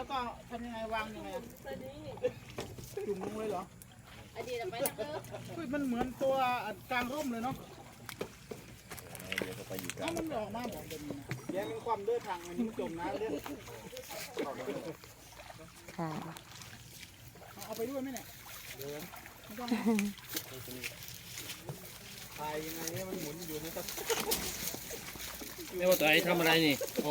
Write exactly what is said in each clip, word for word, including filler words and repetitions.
แล้วก็ทำยังไงวางยังไงจุ่มลงเลยเหรอไอเดียไปนะเฮ้ยมันเหมือนตัวกลางร่มเลยเนาะเดี๋ยวก็ไปอยู่กลางมันออกมาบอกเป็นแย่เป็นความเลือดทางอันนี้มันจมน้ำเลือดค่ะเอาไปด้วยไหมเนี่ยเดี๋ยวไม่ต้องพายยังไงเนี่ยมันหมุนอยู่นี่ครับนี่ว่าตัวไอ้ทำอะไรนี่โอ้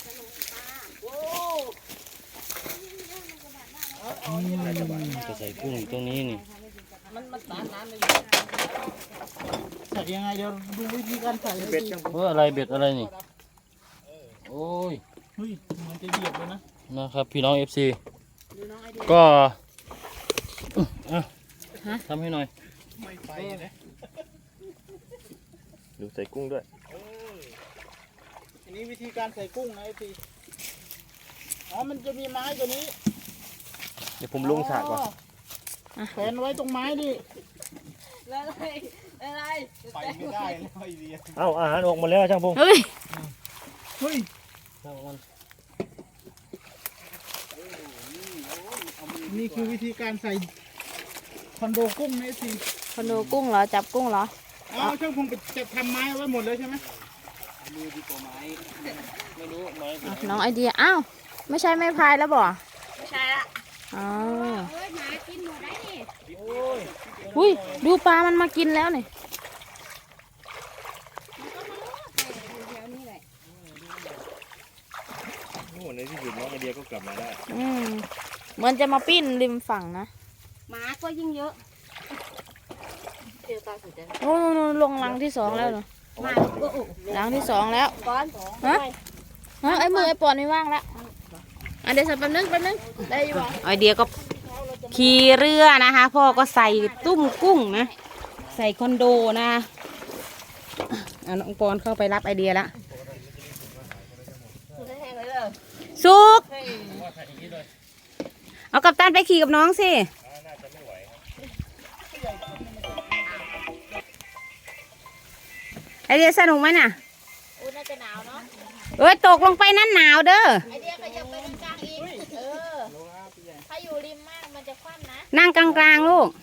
จะใส่กุ้งอยู่ตรงนี้นี่มันมันสารน้ำเลยใส่ยังไงเดี๋ยวดูวิธีการใส่เบ็ดจังเอออะไรเบ็ดอะไรนี่โอ้ยเฮ้ยมันจะเหยียบเลยนะนะครับพี่น้องเอฟซีก็ทำให้หน่อยไม่ไปนะดูใส่กุ้งด้วยอันนี้วิธีการใส่กุ้งนะไอซีอ๋อมันจะมีไม้ตัวนี้เดี๋ยวผมลงฉากก่อนแขวนไว้ตรงไม้ดิอะไรอะไรไปไม่ได้เลยไอเดียเอ้าอาหารออกมาแล้วช่างพงเฮ้ยเฮ้ยนี่คือวิธีการใส่คอนโดกุ้งนะไอซีคอนโดกุ้งเหรอจับกุ้งเหรออ๋อช่างพงจะทำไม้ไว้หมดเลยใช่ไหมมือดีกว่าไม้ไม่รู้ไม้น้องไอเดียอ้าวไม่ใช่ไม้พายแล้วบ่ไม่ใช่ละอ๋อเฮ้ยหมากินหมดได้นี่อุ้ยดูปลามันมากินแล้วนี่โอ้ในที่สุดน้องไอเดียก็กลับมาได้อืมเหมือนจะมาปิ้นริมฝั่งนะหมาก็ยิ่งเยอะเดี๋ยวตาสุดจะโอ้ลงรังที่สองแล้วเหรอมารังที่สองแล้วก้อนฮะฮะไอ้มือไอ้ปอนไม่ว่างแล้วอันเดี๋ยวสักแป๊บนึงแป๊บนึงได้อยู่ไอเดียก็ขี่เรือนะคะพ่อก็ใส่ตุ้มกุ้งนะใส่คอนโดนะเอาน้องปอนเข้าไปรับไอเดียละสุกเอากัปตันไปขี่กับน้องสิไอเดียสนุกไหมน่ะอุ้ยน่าจะหนาวเนาะเอ้ยตกลงไปนั่นหนาวเด้อไอเดียขยับไปตรงกลางอีกเออถ้าอยู่ริมมากมันจะคว่ำนะนั่งกลางๆลูก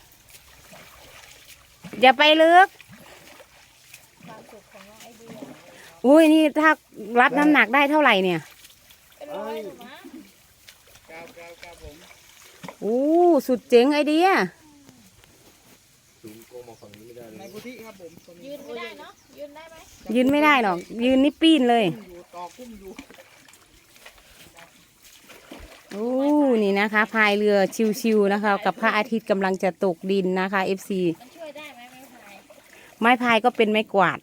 อย่าไปลึกอุ้ยนี่ถ้ารับน้ำหนักได้เท่าไหร่เนี่ยเป็นร้อยถูกไหมโอ้สุดเจ๋งไอเดียในกุฏิครับผมยืนไม่ได้เนาะยืนได้ไหมยืนไม่ได้หรอกยืนนี่ปีนเลยโอ้นี่นะคะพายเรือชิวๆนะคะกับพระอาทิตย์กำลังจะตกดินนะคะ เอฟ ซีมันช่วยได้ไหมไม้พายไม้พายก็เป็นไม้กวาด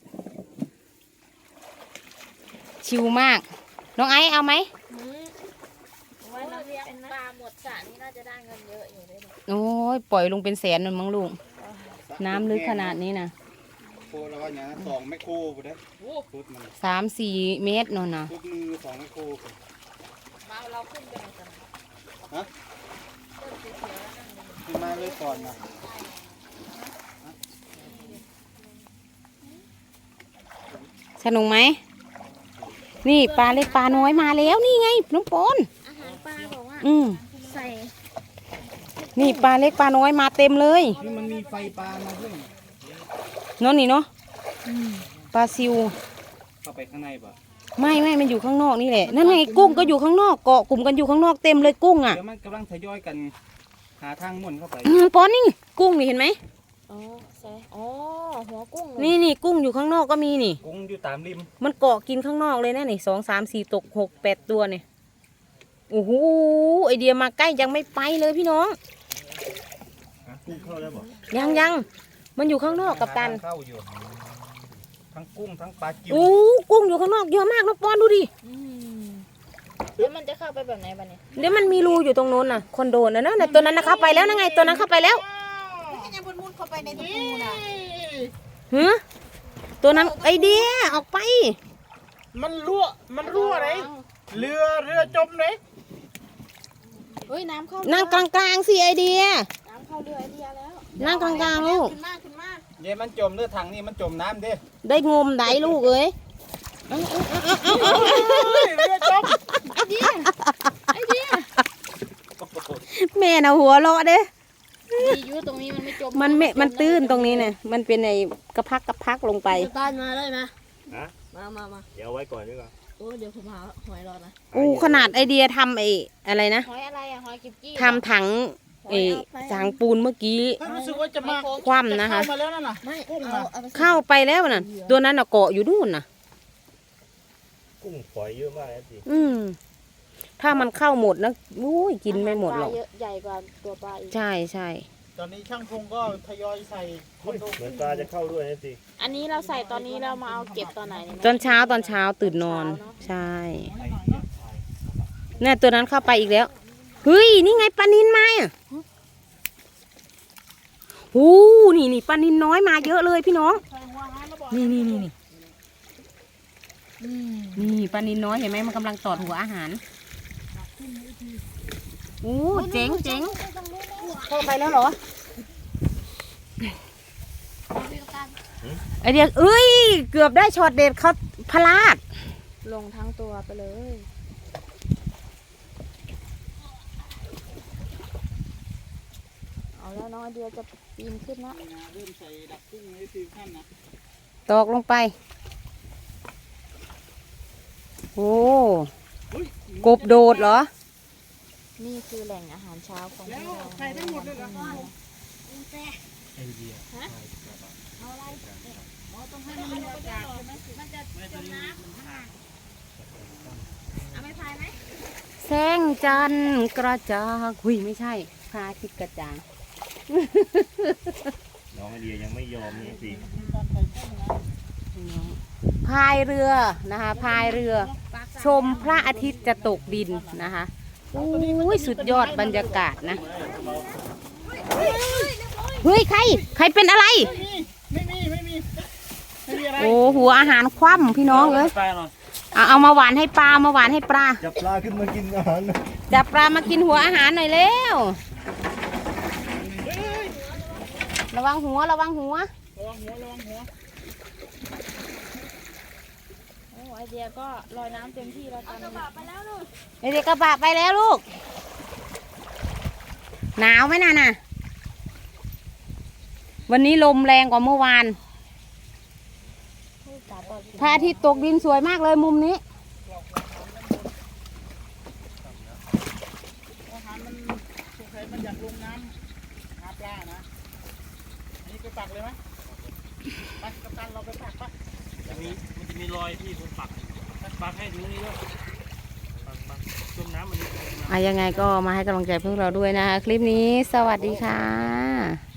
ชิวมากน้องไอซ์เอาไหมไว้เราเลี้ยงปลาหมดสระนี่น่าจะได้เงินเยอะอยู่เลยโอ้ยปล่อยลงเป็นแสนนั่นมั้งลูกน้ำลึกขนาดนี้นะโคแล้วก็อย่างสองไมโครไปได้สามสี่เมตรนนนะทุกมือสองไมโครมาเราขึ้นไปไหนกันฮะขึ้นมาเลยก่อนนะสนุกไหมนี่ปลาเล็กปลาน้อยมาแล้วนี่ไงน้องปอนอาหารปลาบอกว่าอืมใส่นี่ปลาเล็กปลาน้อยมาเต็มเลยนี่มันมีไฟปลามาด้วยเนาะนี่เนาะปลาซิวเข้าไปข้างในป่ะไม่ไม่มันอยู่ข้างนอกนี่แหละนั่นไงกุ้งก็อยู่ข้างนอกเกาะกลุ่มกันอยู่ข้างนอกเต็มเลยกุ้งอ่ะเดี๋ยวมันกำลังทยอยกันหาทางม่วนเข้าไปปอนนี่กุ้งนี่เห็นไหมอ๋อใช่อ๋อหัวกุ้งนี่นี่กุ้งอยู่ข้างนอกก็มีนี่กุ้งอยู่ตามริมมันเกาะกินข้างนอกเลยนะนี่สองสามสี่ตกหกแปดตัวเนี่ยโอ้โหไอเดียมาใกล้ยังไม่ไปเลยพี่น้องกุ้งเข้าแล้วบ่ยังยังมันอยู่ข้างนอกกับตันเข้าอยู่ทั้งกุ้งทั้งปลากิ้วโอ้กุ้งอยู่ข้างนอกเยอะมากน้องปอนดูดิแล้วมันจะเข้าไปแบบไหนบ้างเนี่ยเดี๋ยวมันมีรูอยู่ตรงโน้นน่ะคอนโดน่ะนะตัวนั้นนะเข้าไปแล้วนะไงตัวนั้นเข้าไปแล้วยังมุนมุนเข้าไปในตู้น่ะฮะตัวนั้นไอเดียออกไปมันรั่วมันรั่วไหนเรือเรือจมไหนเฮ้ยน้ำเข้านั่งกลางๆสิไอเดียน้ำเข้าเรือไอเดียแล้วนั่งกลางๆลูกขึ้นมาขึ้นมาเดี๋ยวมันจมเรือถังนี่มันจมน้ำดิได้งมได้ลูกเอ้ยเรือจมไอเดียไอเดียแม่น่ะหัวเราะเด้ดีอยู่ตรงนี้มันไม่จมมันไม่มันตื้นตรงนี้เนี่ยมันเป็นไอ้กระพักกระพักลงไปต้านมาได้ไหมฮะมามามาเดี๋ยวเอาไว้ก่อนดีกว่าโอ้เดี๋ยวผมหาหอยรอนะอู้ขนาดไอเดียทำไอ้อะไรนะหอยอะไรอะหอยกิบกี้ทำถังไอ้ถังปูนเมื่อกี้เฮ้ยรู้สึกว่าจะมาคว่ำนะคะเข้ามาแล้วนั่นน่ะไม่กุ้งเอาน่ะเอาไปใส่เข้าไปแล้วน่ะตัวนั้นน่ะเกาะอยู่นู่นน่ะกุ้งฝอยเยอะมากนะสิอืมถ้ามันเข้าหมดนะอุ้ยกินไม่หมดหรอกปลาเยอะใหญ่กว่าตัวปลาอีกใช่ใช่ตอนนี้ช่างพงก็ทยอยใส่คอนโดเหมือนปลาจะเข้าด้วยนะสิอันนี้เราใส่ตอนนี้เรามาเอาเก็บตอนไหนเนี่ยตอนเช้าตอนเช้าตื่นนอน ใช่เนี่ยตัวนั้นเข้าไปอีกแล้วเฮ้ยนี่ไงปลานินมาอ่ะโอ้นี่นี่ปลานินน้อยมาเยอะเลยพี่น้องใส่หัวอาหารแล้วบอกนี่นี่นี่นี่นี่ปลานินน้อยเห็นไหมมันกำลังตอดหัวอาหารโอ้เจ๋งเจ๋งเข้าไปแล้วเหรอไอเดียเอ้ยเกือบได้ช็อตเด็ดเขาพลาดลงทั้งตัวไปเลย เอาแล้วน้องไอเดียจะปีนขึ้นนะนี่นะเริ่มใส่ดักกุ้งไว้สี่ขั้นนะตอกลงไปโอ้กบโดดเหรอนี่คือแหล่งอาหารเช้าของแล้วเราใส่ได้หมดเลยเหรอไอเดียอ๋อต้องให้มันมีอากาศใช่ไหมเอาไม่พายไหมแสงจันทร์กระจ่างหุยไม่ใช่พระอาทิตย์กระจ่างน้องไอเดียยังไม่ยอมนี่สิการใส่กุ้งนะพายเรือนะคะพายเรือ ชมพระอาทิตย์จะตกดินนะคะอุ้ยสุดยอดบรรยากาศนะเฮ้ยใครใครเป็นอะไรไม่มีไม่มีไม่มีอะไรโอ้หัวอาหารคว่ำพี่น้องเอ้ยไปหน่อยเอาเอามาหวานให้ปลามาหวานให้ปลาจับปลาขึ้นมากินอาหารจับปลามากินหัวอาหารหน่อยเร็วระวังหัวระวังหัวระวังหัวระวังหัวโอ้ไอเดียก็ลอยน้ำเต็มที่แล้วตอนนี้ไปแล้วลูกเด็กๆกระบะไปแล้วลูกหนาวไหมน่ะน่ะวันนี้ลมแรงกว่าเมื่อวานพระอาทิตย์ตกดินสวยมากเลยมุมนี้อาหารมันสงสัยมันอยากลงน้ำหาปลานะอันนี้ไปปักเลยไหมไปกัปตันเราไปปักปะมันมีมันจะมีรอยที่ผมปักปักให้ดูนี่ด้วยปักปักจมน้ำมันนี่อ่ะยังไงก็มาให้กำลังใจพวกเราด้วยนะคะคลิปนี้สวัสดีค่ะ